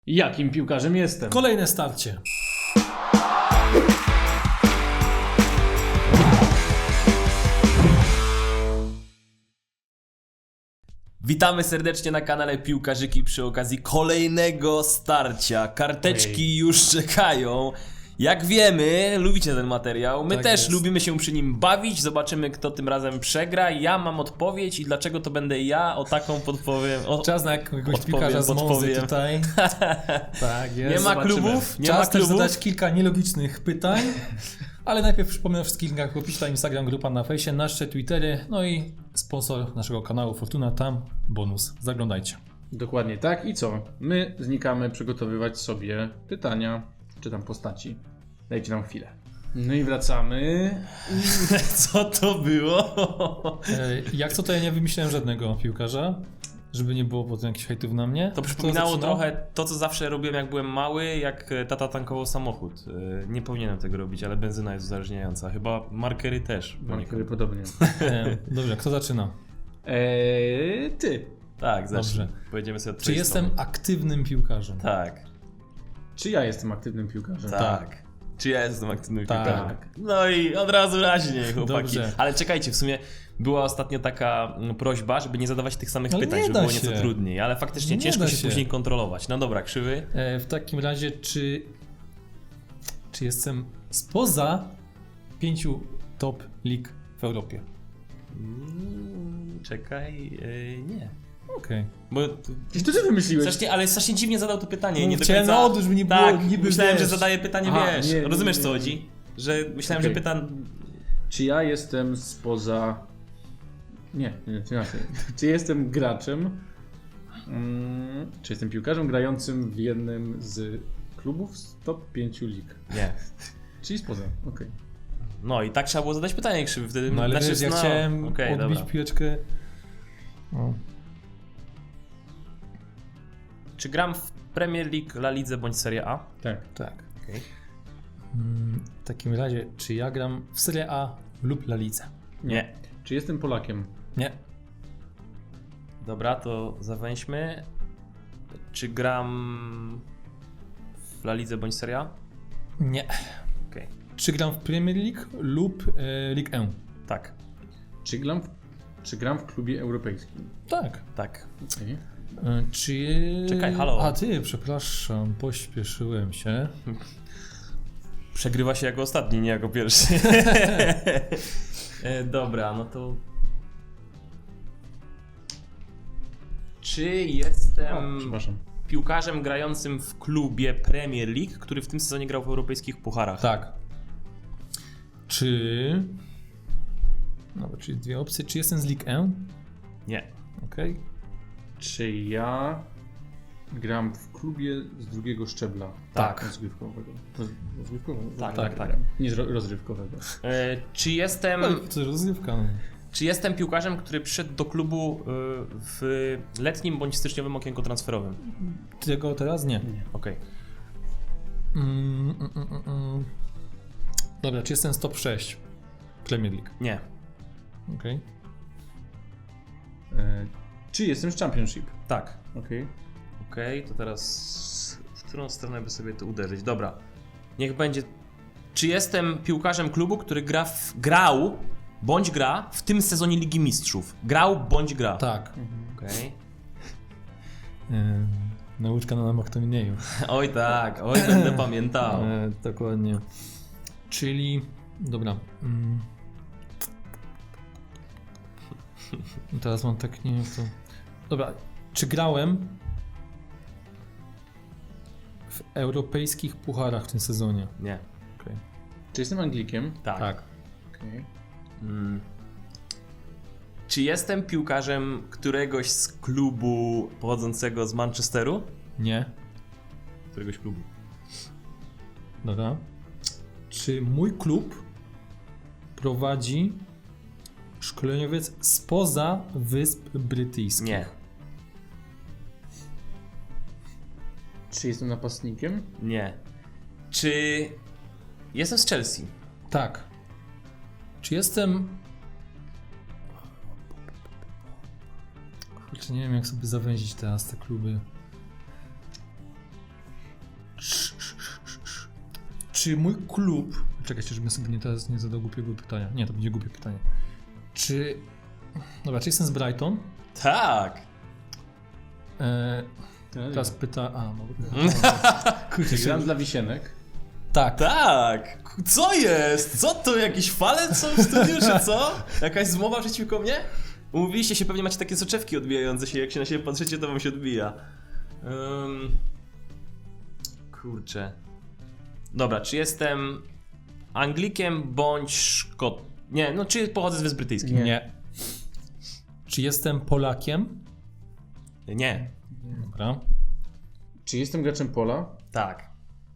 Jakim piłkarzem jestem? Kolejne starcie. Witamy serdecznie na kanale Piłkarzyki przy okazji kolejnego starcia. Karteczki już czekają. Jak wiemy, lubicie ten materiał. My Tak też jest. lubimy się przy nim bawić. Zobaczymy, kto tym razem przegra. Ja mam odpowiedź i dlaczego to będę ja, o taką podpowiem. Czas na jakiegoś Odpowiem, piłkarza z Monzy podpowiem. tutaj. Tak jest. Nie ma zobaczymy. klubów, nie Czas ma też klubów. zadać kilka nielogicznych pytań. Ale najpierw przypomnę wszystkich linkach w opisie, Instagram, grupa na fejsie, nasze Twittery, no i sponsor naszego kanału Fortuna, tam bonus. Zaglądajcie. Dokładnie tak. I co? My znikamy przygotowywać sobie pytania, czy tam postaci. Dajcie nam chwilę. No i wracamy. Co to było? Jak co, to ja nie wymyśliłem żadnego piłkarza, żeby nie było potem jakichś hejtów na mnie. To przypominało Kto zaczynał? trochę to, co zawsze robiłem, jak byłem mały, jak tata tankował samochód. Nie powinienem tego robić, ale benzyna jest uzależniająca. Chyba markery też. Markery podobnie. Dobrze, kto zaczyna? Ty. Tak, zacznij. Dobrze. Pojedziemy sobie od Czy twojej jestem strony. aktywnym piłkarzem? Tak, Czy ja jestem aktywnym piłkarzem? tak. Czy ja jestem aktywnym Tak. piłkarzem? No i od razu raźniej, chłopaki. Dobrze. Ale czekajcie, w sumie była ostatnio taka prośba, żeby nie zadawać tych samych Ale pytań, nie żeby da było nieco się. trudniej. Ale faktycznie Nie ciężko da się się. później kontrolować. No dobra, krzywy. W takim razie, czy jestem spoza 5 top lig w Europie? Czekaj, nie. Okej. Bo Gdzieś to ty wymyśliłeś. strasznie, ale strasznie dziwnie zadał to pytanie. No, Nie do chciałem końca... na odwrót, żeby nie było tak, niby, myślałem, wiesz. że zadaję pytanie, Aha, wiesz. nie, Rozumiesz, nie, co nie. chodzi? Że myślałem, Okej. że pytam... Czy ja jestem spoza... Nie, to inaczej. Czy jestem graczem? Czy jestem piłkarzem grającym w jednym z klubów z top 5 lig? Nie. Czyli spoza, okej. No i tak trzeba było zadać pytanie, krzywy. Wtedy... No ale znaczy, wiesz, ja no, chciałem okej, odbić dobra. piłeczkę. No. Czy gram w Premier League, La Lidze bądź Serie A? Tak. Tak. Okej. W takim razie, czy ja gram w Serie A lub La Lidze? Nie. Czy jestem Polakiem? Nie. Dobra, to zawęźmy. Czy gram w La Lidze bądź Serie A? Nie. Okej. Czy gram w Premier League lub Ligue 1? Tak. Czy gram w klubie europejskim? Tak. Tak. Okej. Czy... Czekaj, halo. A ty, przepraszam, pośpieszyłem się. Przegrywa się jako ostatni, nie jako pierwszy. Dobra, no to... Czy jestem Przepraszam. piłkarzem grającym w klubie Premier League, który w tym sezonie grał w europejskich pucharach? Tak. Czy... No, czyli dwie opcje. Czy jestem z Ligue 1? Nie. Okej. Czy ja gram w klubie z drugiego szczebla? Tak. Rozgrywkowego. Rozgrywkowego? Tak. Nie rozrywkowego. Czy jestem... To jest rozgrywka. No. Czy jestem piłkarzem, który przyszedł do klubu w letnim bądź styczniowym okienku transferowym? Tego teraz nie. Okej. Dobra, czy jestem z top 6 Premier League? Nie. Okej. Czy jestem z Championship? Tak. Okej. Okej, to teraz w którą stronę by sobie to uderzyć? Dobra. Niech będzie... Czy jestem piłkarzem klubu, który grał bądź gra w tym sezonie Ligi Mistrzów? Grał bądź gra? Tak. Okej. Nauczka na namach to mniej. Oj tak, oj będę pamiętał. Dokładnie. Czyli... Dobra. Teraz mam tak, nie wiem to... Dobra, czy grałem w europejskich pucharach w tym sezonie? Nie. Okej. Czy jestem Anglikiem? Tak. Okej. Czy jestem piłkarzem któregoś z klubu pochodzącego z Manchesteru? Nie. Któregoś klubu. Dobra. Czy mój klub prowadzi szkoleniowiec spoza Wysp Brytyjskich? Nie. Czy jestem napastnikiem? Nie. Czy jestem z Chelsea? Tak. Czy jestem... Kurczę, nie wiem jak sobie zawęzić teraz te kluby. Czy mój klub... Czekajcie, żebym sobie teraz nie zadał głupiego pytania. Nie, to będzie głupie pytanie. Czy... Dobra, czy jestem z Brighton? Tak. Teraz pyta... A, no... Czy gram dla Wisienek? Tak. Tak. Co jest? Co to? Jakieś fale są w studiu, czy co? Jakaś zmowa przeciwko mnie? Umówiliście się, pewnie macie takie soczewki odbijające się, jak się na siebie patrzycie, to wam się odbija. Kurczę. Dobra, czy jestem Anglikiem bądź Szkot... Nie, no czy pochodzę z Wysp Brytyjskich? Nie. Czy jestem Polakiem? Nie. Dobra. Czy jestem graczem pola? Tak.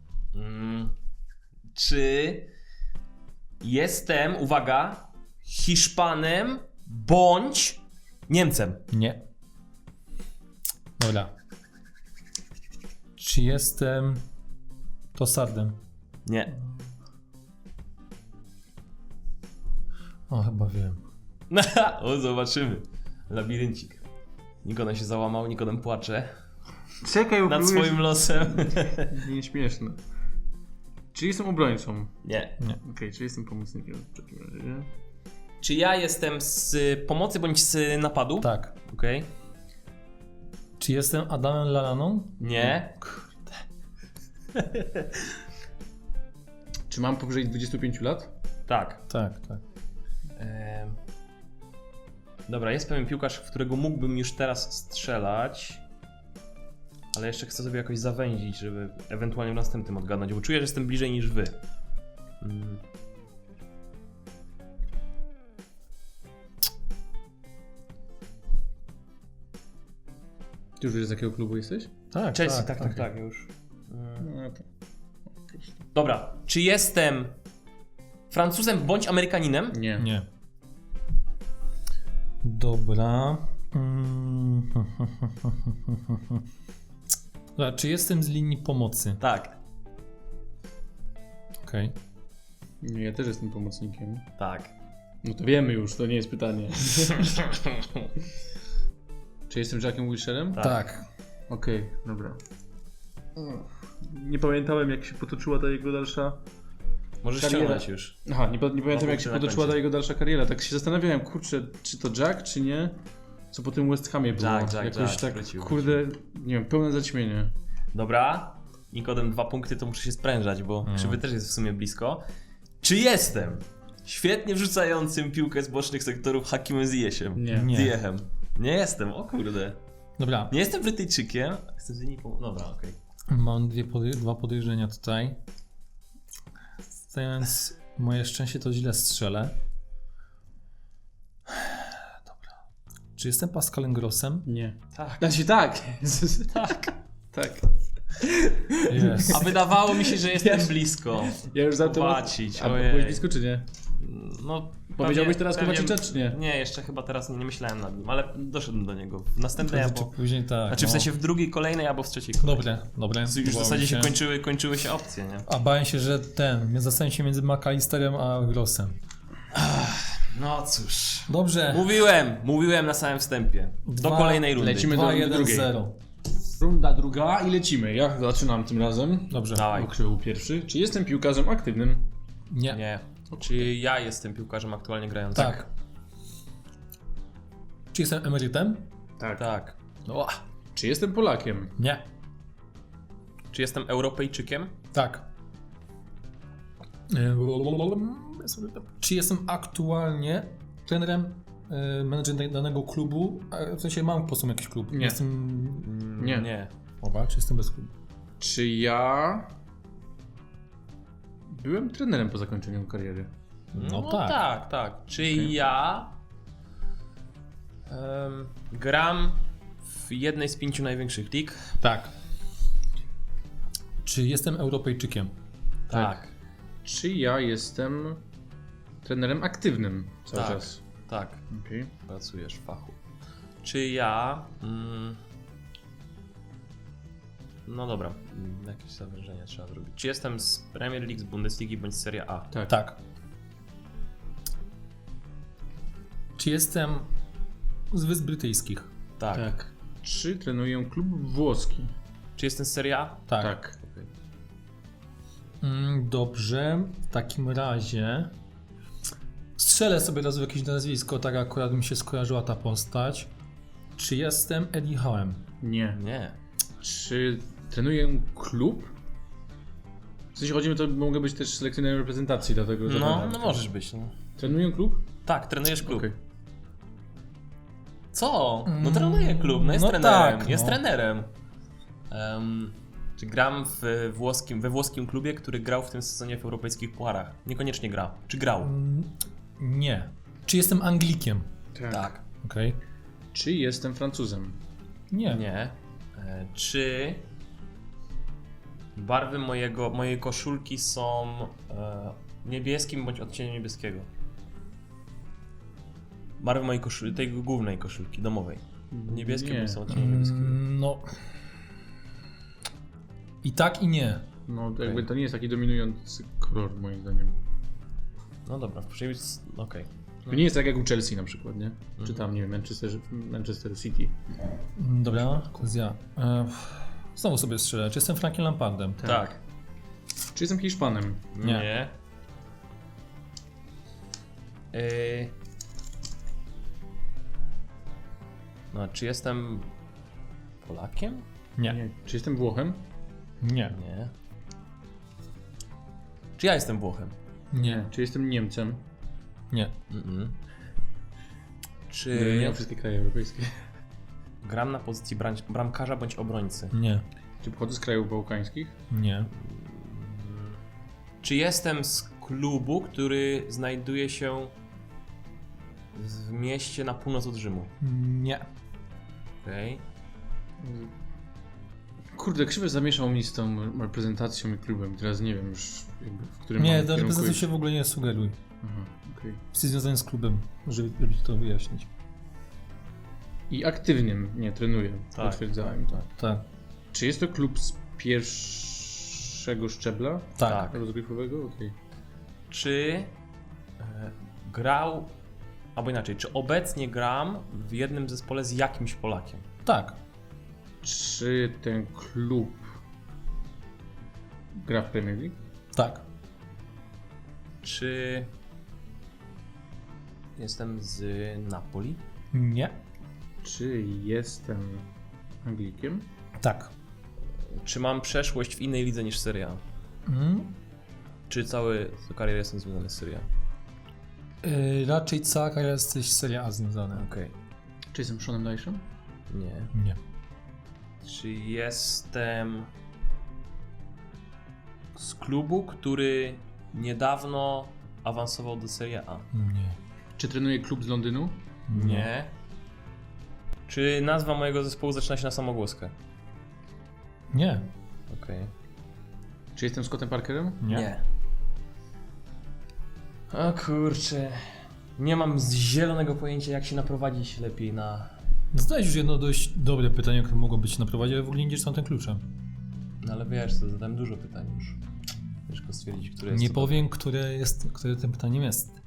Czy jestem, uwaga, Hiszpanem bądź Niemcem? Nie. Dobra. Czy jestem Tossardem? Nie. O, chyba wiem. O, zobaczymy. Labiryncik. Nikodem się załamał, Nikodem płacze Czekaj, nad swoim losem. Nieśmieszne. Czy jestem obrońcą? Nie. Okej, czy jestem pomocnikiem w takim razie, nie? Czy ja jestem z pomocy bądź z napadu? Tak. Okej. Czy jestem Adamem Lallaną? Nie. Czy mam powyżej 25 lat? Tak. Tak, tak. Dobra, jest pewien piłkarz, w którego mógłbym już teraz strzelać, ale jeszcze chcę sobie jakoś zawęzić, żeby ewentualnie w następnym odgadnąć, bo czuję, że jestem bliżej niż wy. Ty już wiesz, z jakiego klubu jesteś? Tak, Chelsea, tak, już. No to... Dobra, czy jestem Francuzem bądź Amerykaninem? Nie. Nie. Dobra. Dobra, czy jestem z linii pomocy? Tak, Okej. Nie, ja też jestem pomocnikiem. tak. No to wiemy już, to nie jest pytanie. Czy jestem Jackiem Wilsherem? Tak. Okej, dobra. Nie pamiętałem, jak się potoczyła ta jego dalsza... Możesz Kariera. ściągnąć już. Aha, nie pamiętam, jak się na potoczyła końcu. ta jego dalsza kariera. Tak się zastanawiałem, kurczę, czy to Jack, czy nie? Co po tym West Hamie było. Jack, Jakoś tak, wrócił. kurde, nie wiem, pełne zaćmienie. Dobra, Nikodem 2 punkty, to muszę się sprężać, bo krzywy też jest w sumie blisko. Czy jestem świetnie wrzucającym piłkę z bocznych sektorów Hakimem Ziyechem? Nie. Nie. Ziyechem. Nie jestem, o kurde. Dobra. Nie jestem Brytyjczykiem. Jestem z linii Dobra, okej. Mam dwa podejrzenia tutaj. Więc moje szczęście to źle strzelę. Dobra. Czy jestem Pascalem Grossem? Nie. Tak. Znaczy tak. Tak. Tak. Jest. A wydawało mi się, że jestem blisko. Ja już za to... Zobaczyć, A ojej. byłeś blisko, czy nie? No, Powiedziałbyś teraz Kowaczicza, czy nie? Nie, jeszcze chyba teraz nie myślałem nad nim, ale doszedłem do niego. W następnej Czy albo... później tak. Znaczy w no. sensie w drugiej, kolejnej albo w trzeciej kolejnej. Dobre. Już w Bałem zasadzie się kończyły się opcje, nie? A bałem się, że zastanawiam się między McAllisterem a Grossem. No cóż. Dobrze. Mówiłem na samym wstępie. Do Dwa- kolejnej rundy. lecimy. do drugiej. 2-1-0. Runda druga i lecimy. Ja zaczynam tym razem. Dobrze. Dawaj. Okrzył pierwszy. Czy jestem piłkarzem aktywnym? Nie. Nie. Czy ja jestem piłkarzem aktualnie grającym? Tak. Czy jestem emerytem? Tak. Tak. O, Czy jestem Polakiem? nie. Czy jestem Europejczykiem? Tak. Czy jestem aktualnie trenerem, menedżerem danego klubu? W sensie mam po prostu jakiś klub. Nie. Jestem... Nie. Nie. Oba, czy jestem bez klubu? Czy ja... byłem trenerem po zakończeniu kariery? No tak. tak. Czy ja gram w jednej z 5 największych lig? Tak. Czy jestem Europejczykiem? Tak. Czy ja jestem trenerem aktywnym cały Tak. czas? Tak. Okej. Pracujesz w fachu. Czy ja... No dobra, jakieś zawężenia trzeba zrobić. Czy jestem z Premier League, z Bundesligi bądź z Serie A? Tak. Tak. Czy jestem z Wysp Brytyjskich? Tak. Tak. Czy trenuję klub włoski? Czy jestem z Serie A? Tak. Dobrze, w takim razie strzelę sobie raz w jakieś nazwisko, tak akurat mi się skojarzyła ta postać. Czy jestem Eddie Howe'em? Nie. Nie. Czy trenuję klub? W sensie chodzi mi, to mogę być też selekcjonerem reprezentacji, dlatego że... No możesz być. No. Trenuję klub? Tak, trenujesz klub. Okej. Co? No trenuje klub, no jest No trenerem. tak, jest no. trenerem. Czy gram we włoskim klubie, który grał w tym sezonie w europejskich pucharach? Niekoniecznie gra. Czy grał? Nie. Czy jestem Anglikiem? Tak. Okej. Czy jestem Francuzem? Nie. Nie. Czy barwy mojej koszulki są niebieskim bądź odcieniem niebieskiego? Barwy mojej koszulki, tej głównej koszulki, domowej. Niebieskie Nie. bądź są odcieniem niebieskiego. No. I tak i nie. No jakby to nie jest taki dominujący kolor moim zdaniem. No dobra, czyli okej. To nie jest tak jak u Chelsea na przykład, nie? Czy tam, nie wiem, Manchester City. Dobra, to jest ja. Znowu sobie strzelę. Czy jestem Frankiem Lampardem? Tak. Czy jestem Hiszpanem? Nie. No, czy jestem Polakiem? Nie. Czy jestem Włochem? Nie. Nie. Czy ja jestem Włochem? Nie. Czy jestem Niemcem? Nie. Mm-mm. Nie Czy mam wszystkie kraje europejskie. gram na pozycji bramkarza bądź obrońcy? Nie. Czy pochodzę z krajów bałkańskich? Nie. Czy jestem z klubu, który znajduje się w mieście na północ od Rzymu? Nie. Okej. Kurde, krzywy zamieszał mi z tą reprezentacją i klubem. Teraz nie wiem już, jakby, w którym Nie, mam do kierunku reprezentacji iść. się w ogóle nie sugeruj. Aha, okej. Jesteś związany z klubem, żeby to wyjaśnić. I aktywnym, nie, trenuję. Tak, Potwierdzałem. tak. Tak. Czy jest to klub z pierwszego szczebla Tak. rozgrywkowego? Okej. Czy grał, albo inaczej, czy obecnie gram w jednym zespole z jakimś Polakiem? Tak. Czy ten klub gra w Premier League? Tak. Czy jestem z Napoli? Nie. Czy jestem Anglikiem? Tak. Czy mam przeszłość w innej lidze niż Serie A? Czy cały karierę jestem związany z Serie A? Raczej cała kariera jesteś Serie A związana. Okej. Czy jestem Seanem Dyche'em? Nie. Nie. Czy jestem z klubu, który niedawno awansował do Serie A? Nie. Czy trenuję klub z Londynu? Nie. Czy nazwa mojego zespołu zaczyna się na samogłoskę? Nie. Okej. Czy jestem Scottem Parkerem? Nie. O kurczę. Nie mam zielonego pojęcia, jak się naprowadzić lepiej na... Zadałeś już jedno dość dobre pytanie, które mogło być naprowadzić, ale w ogóle nie idziesz z tym kluczem. No ale wiesz, to zadałem dużo pytań już. Ciężko stwierdzić, które jest Nie to- powiem, które tym pytaniem jest.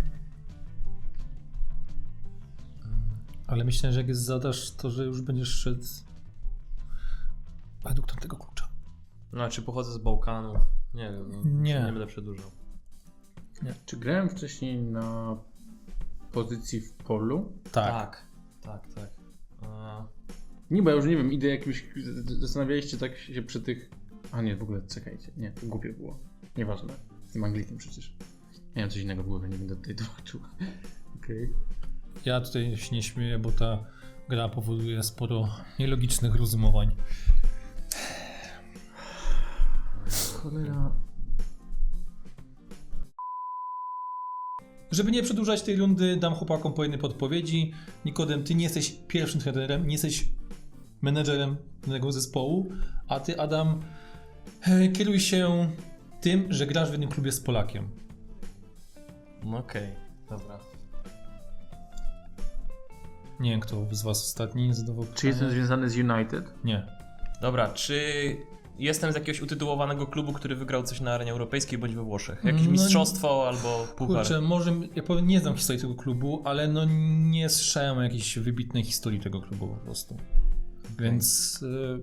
Ale myślę, że jak je zadasz, to że już będziesz szedł według tamtego klucza. No, czy pochodzę z Bałkanów? Nie wiem, no, Nie. nie będę przedłużał. Czy grałem wcześniej na pozycji w polu? Tak. Tak. Nie, bo ja już nie wiem, idę jakimś... Zastanawialiście tak się przy tych... A nie, w ogóle, czekajcie. Nie, to głupie było. Nieważne. Jestem Anglikiem przecież. Miałem coś innego w głowie, nie będę tutaj tłumaczył. Okej. Ja tutaj się nie śmieję, bo ta gra powoduje sporo nielogicznych rozumowań. Cholera... Żeby nie przedłużać tej rundy, dam chłopakom po jednej podpowiedzi. Nikodem, ty nie jesteś pierwszym trenerem, nie jesteś menedżerem danego zespołu, a ty, Adam, kieruj się tym, że grasz w jednym klubie z Polakiem. No okej, dobra. Nie wiem, kto z was ostatni zadawał pytanie. Czy jestem związany z United? Nie. Dobra, czy jestem z jakiegoś utytułowanego klubu, który wygrał coś na arenie europejskiej bądź we Włoszech? Jakieś No, mistrzostwo albo puchar? Kurczę, może, ja powiem, nie znam historii tego klubu, ale no nie słyszałem o jakiejś wybitnej historii tego klubu po prostu. Więc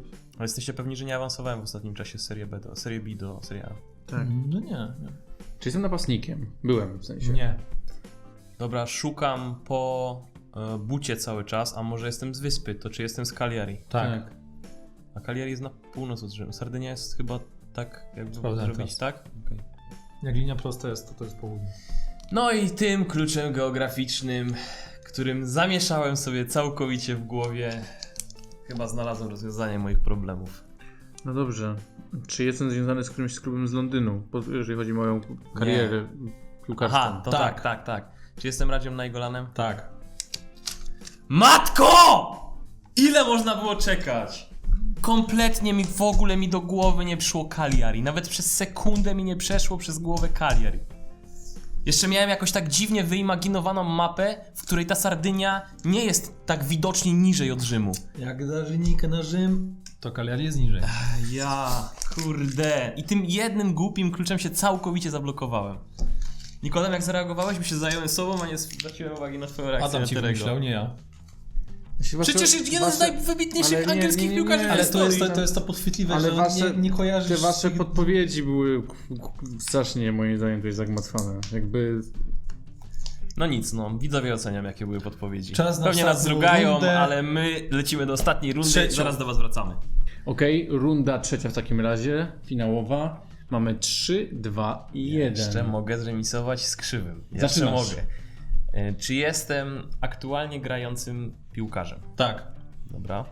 Ale jesteście pewni, że nie awansowałem w ostatnim czasie z Serie B do Serie B do Serie A. Tak. No nie. Czy jestem napastnikiem? Byłem w sensie. Nie. Dobra, szukam po bucie cały czas, a może jestem z wyspy, to czy jestem z Cagliari? Tak. A Cagliari jest na północ od Rzymu. Sardynia jest chyba tak, jakby Sprawdzam zrobić, teraz. tak? Okej. Jak linia prosta jest, to jest południe. No i tym kluczem geograficznym, którym zamieszałem sobie całkowicie w głowie, chyba znalazłem rozwiązanie moich problemów. No dobrze. Czy jestem związany z którymś z klubem z Londynu, jeżeli chodzi o moją karierę piłkarską? Aha, to tak. Czy jestem Radziem Naingolanem? Tak. Matko! Ile można było czekać? Kompletnie mi w ogóle do głowy nie przyszło Cagliari. Nawet przez sekundę mi nie przeszło przez głowę Cagliari. Jeszcze miałem jakoś tak dziwnie wyimaginowaną mapę, w której ta Sardynia nie jest tak widocznie niżej od Rzymu. Jak dasz linijkę na Rzym, to Cagliari jest niżej. Kurde. I tym jednym głupim kluczem się całkowicie zablokowałem. Nikodem, jak zareagowałeś, by się zająłem sobą, a nie zwróciłem uwagi na twoją reakcję Adam na ci Terego. wymyślał, nie ja. Przecież jeden z najwybitniejszych ale nie, angielskich nie, piłkarzy nie, w Ale historii. to jest to podchwytliwe, Ale że nie kojarzysz... Te wasze podpowiedzi były strasznie moim zdaniem tutaj zagmatwane. Jakby... No nic, widzowie oceniam, jakie były podpowiedzi. Czas na Pewnie nas ostatnią zrugają, rundę. ale my lecimy do ostatniej rundy i Trzecią. zaraz do was wracamy. Okej, runda trzecia w takim razie, finałowa. Mamy 3, 2 i 1. Jeszcze mogę zremisować z krzywym. Jeszcze Zaczynasz. mogę. Czy jestem aktualnie grającym piłkarzem? Tak. Dobra.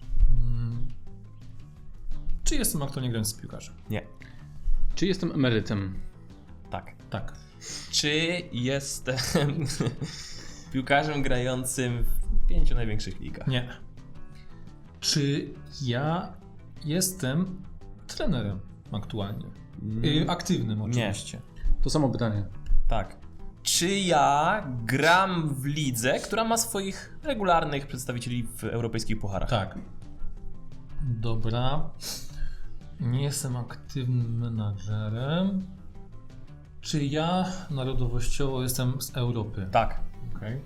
Czy jestem aktualnie grającym piłkarzem? Nie. Czy jestem emerytem? Tak. Tak. Czy jestem piłkarzem grającym w 5 największych ligach? Nie. Czy ja jestem trenerem aktualnie? Aktywnym oczywiście. To samo pytanie. Tak. Czy ja gram w lidze, która ma swoich regularnych przedstawicieli w europejskich pucharach? Tak. Dobra. Nie jestem aktywnym menadżerem. Czy ja narodowościowo jestem z Europy? Tak. Okej.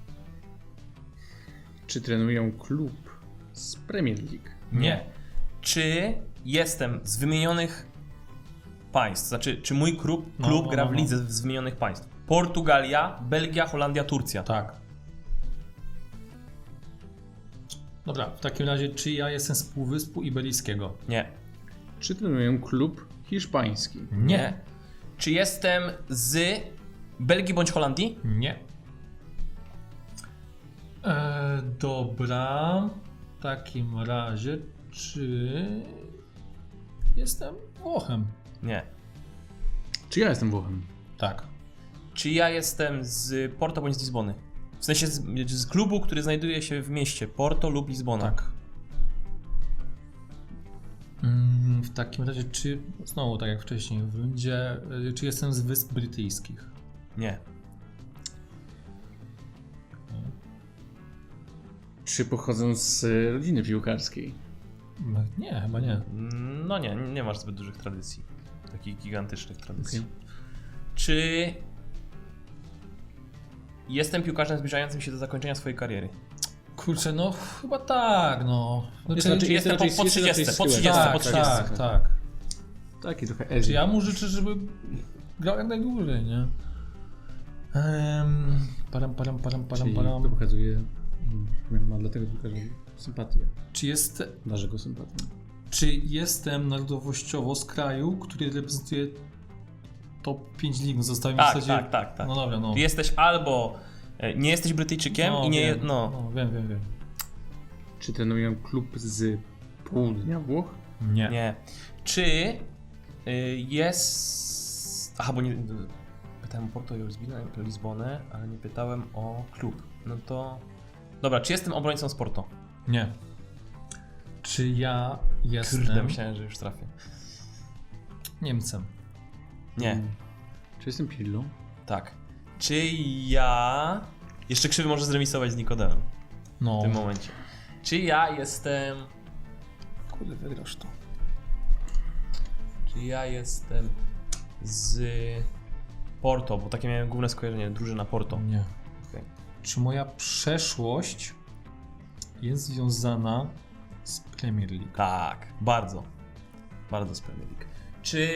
Czy trenuję klub z Premier League? Nie. Czy jestem z wymienionych państw? Znaczy, czy mój klub gra w lidze z wymienionych państw? Portugalia, Belgia, Holandia, Turcja. Tak. Dobra, w takim razie, czy ja jestem z Półwyspu Iberyjskiego? Nie. Czy trenuję klub hiszpański? Nie. Czy jestem z Belgii bądź Holandii? Nie. Dobra. W takim razie, czy jestem Włochem? Nie. Czy ja jestem Włochem? Tak. Czy ja jestem z Porto bądź z Lizbony? W sensie z klubu, który znajduje się w mieście Porto lub Lizbona. Tak. W takim razie, czy znowu tak jak wcześniej w rundzie, czy jestem z Wysp Brytyjskich? Nie. Czy pochodzę z rodziny piłkarskiej? Nie, chyba nie. No nie masz zbyt dużych tradycji. Takich gigantycznych tradycji. Okay. Czy jestem piłkarzem zbliżającym się do zakończenia swojej kariery? Kurczę, no chyba tak, no. Czy jestem po 30, po 30, tak, po 30. Tak. Taki trochę Czy edgy. ja mu życzę, żeby grał jak najdłużej, nie? Param. Czyli to pokazuje, ma dla tego piłkarza sympatię. Darzę go sympatią. Czy jestem narodowościowo z kraju, który reprezentuje top 5 lig? No zostały mi w zasadzie... Tak. No dobra, no. Ty jesteś albo nie jesteś Brytyjczykiem i nie... Wiem. Wiem. Czy trenuję klub z południa Włoch? Nie. Czy jest... Aha, bo nie... Pytałem o Porto i o Lizbonę, ale nie pytałem o klub. No to... Dobra, czy jestem obrońcą z Porto? Nie. Czy ja jestem Kurde, myślałem, że już trafię. Niemcem? Nie. Czy jestem Pirlo? Tak. Czy ja... Jeszcze krzywy może zremisować z Nikodemem No. w tym momencie. Czy ja jestem... Kurde, wygrasz to. Czy ja jestem z Porto, bo takie miałem główne skojarzenie, drużyna Porto. Nie. Okay. Czy moja przeszłość jest związana z Premier League. Tak, bardzo. Bardzo z Premier League. Czy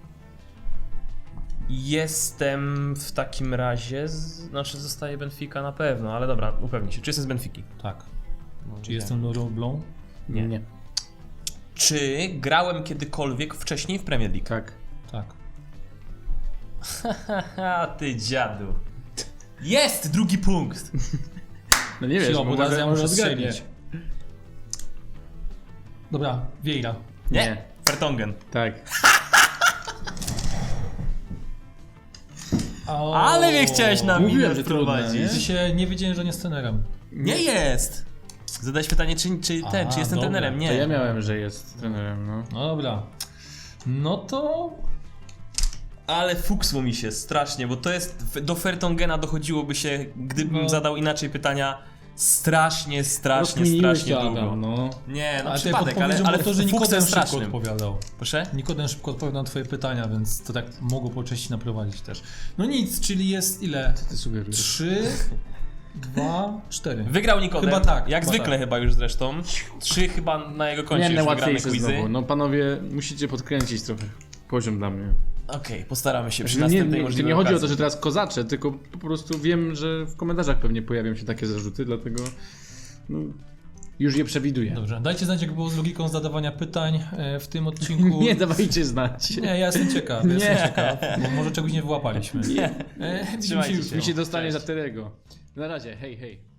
jestem w takim razie, znaczy zostaje Benfica na pewno, ale dobra, upewnij się. Czy jestem z Benfiki? Tak. No, Czy nie. jestem Laurent Blanc? Nie. Czy grałem kiedykolwiek wcześniej w Premier League? Tak. Tak. Haha, ty dziadu. Jest drugi punkt! No nie wiesz, Chwila, bo teraz ja muszę zgadniesz. strzelić. Dobra, Vieira. Nie. Vertonghen. Tak. O, Ale mnie chciałeś na Mówiłem, minę że trudne, wprowadzić. nie? W sensie nie wiedziałem, że nie jest trenerem. Nie jest! Zadałeś pytanie, czy jestem dobra. trenerem? To ja Nie. miałem, że jest trenerem, no. No dobra. No to... Ale fuksło mi się strasznie, bo to jest, do Vertongena dochodziłoby się, gdybym No. zadał inaczej pytania, strasznie Rozkminiłeś długo. to, Adam, no. Nie, no Ale przypadek, ale ale to, że Nikodem fuksem szybko strasznym. odpowiadał. Proszę? Nikodem szybko odpowiadał na twoje pytania, więc to tak mogło po części naprowadzić też. No nic, czyli jest ile? Ty sugerujesz. 3, 2, 4. Wygrał Nikodem, Chyba tak, jak chyba zwykle tak. chyba już zresztą. 3 chyba na jego koncie Miałem już wygrane najłatwiejsze quizy. znowu. No panowie, musicie podkręcić trochę poziom dla mnie. Okej, postaramy się przy Znaczy, następnej nie możliwej chodzi o to, okazji. że teraz kozaczę, tylko po prostu wiem, że w komentarzach pewnie pojawią się takie zarzuty, dlatego no, już je przewiduję. Dobrze, dajcie znać, jak było z logiką zadawania pytań w tym odcinku. Nie dawajcie znać. Nie, ja jestem ciekaw, bo może czegoś nie wyłapaliśmy. Nie. Widzimy się Trzymajcie już. się. Mi się dostanie Cześć. za Terego. Na razie, hej, hej.